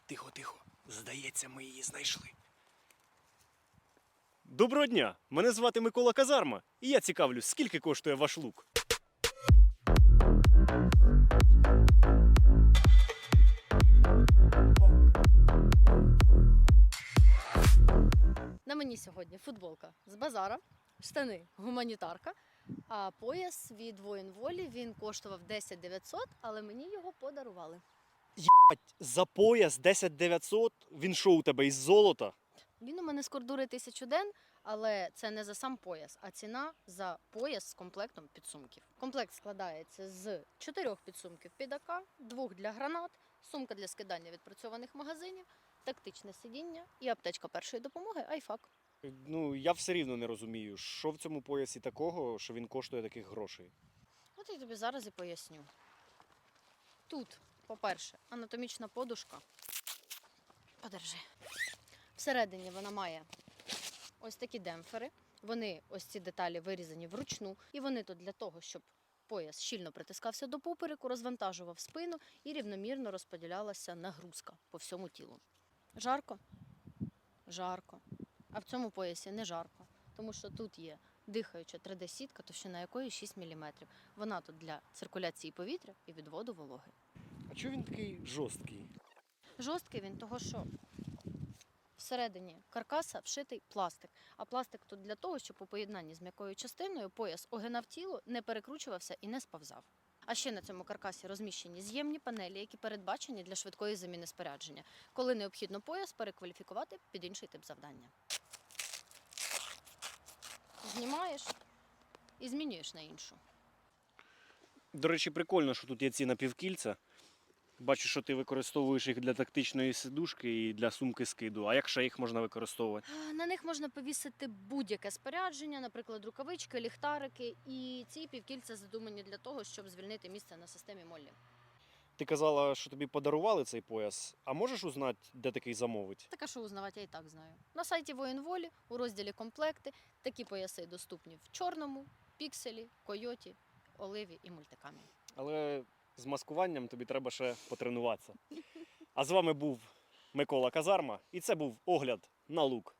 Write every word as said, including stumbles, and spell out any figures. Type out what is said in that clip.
Тихо, тихо. Здається, ми її знайшли. Доброго дня! Мене звати Микола Казарма, і я цікавлюсь, скільки коштує ваш лук? На мені сьогодні футболка з базара, штани гуманітарка, а пояс від воїн волі, він коштував десять дев'ятсот, але мені його подарували. За пояс десять дев'ятсот? Він що у тебе із золота? Він у мене з кордури тисячу ден, але це не за сам пояс, а ціна за пояс з комплектом підсумків. Комплект складається з чотирьох підсумків під АК, двох для гранат, сумка для скидання відпрацьованих магазинів, тактичне сидіння і аптечка першої допомоги Айфак. Ну, я все рівно не розумію, що в цьому поясі такого, що він коштує таких грошей. От я тобі зараз і поясню. Тут, по-перше, анатомічна подушка. Подержи. Всередині вона має ось такі демпфери. Вони, ось ці деталі, вирізані вручну. І вони тут для того, щоб пояс щільно притискався до попереку, розвантажував спину і рівномірно розподілялася нагрузка по всьому тілу. Жарко? Жарко. А в цьому поясі не жарко, тому що тут є дихаюча три де-сітка, товщина якої шість міліметрів. Вона тут для циркуляції повітря і відводу вологи. А чого він такий жорсткий? Жорсткий він того, що всередині каркаса вшитий пластик. А пластик тут для того, щоб у поєднанні з м'якою частиною пояс огинав тіло, не перекручувався і не сповзав. А ще на цьому каркасі розміщені з'ємні панелі, які передбачені для швидкої заміни спорядження, коли необхідно пояс перекваліфікувати під інший тип завдання. Знімаєш і змінюєш на іншу. До речі, прикольно, що тут є ці напівкільця. Бачу, що ти використовуєш їх для тактичної сидушки і для сумки скиду. А як ще їх можна використовувати? На них можна повісити будь-яке спорядження, наприклад, рукавички, ліхтарики. І ці півкільця задумані для того, щоб звільнити місце на системі Моллі. Ти казала, що тобі подарували цей пояс. А можеш узнати, де такий замовить? Так, а що узнавати, я і так знаю. На сайті воїн волі у розділі комплекти такі пояси доступні в чорному, пікселі, койоті, оливі і мультикамі. Але з маскуванням тобі треба ще потренуватися. А з вами був Микола Казарма, і це був огляд на лук.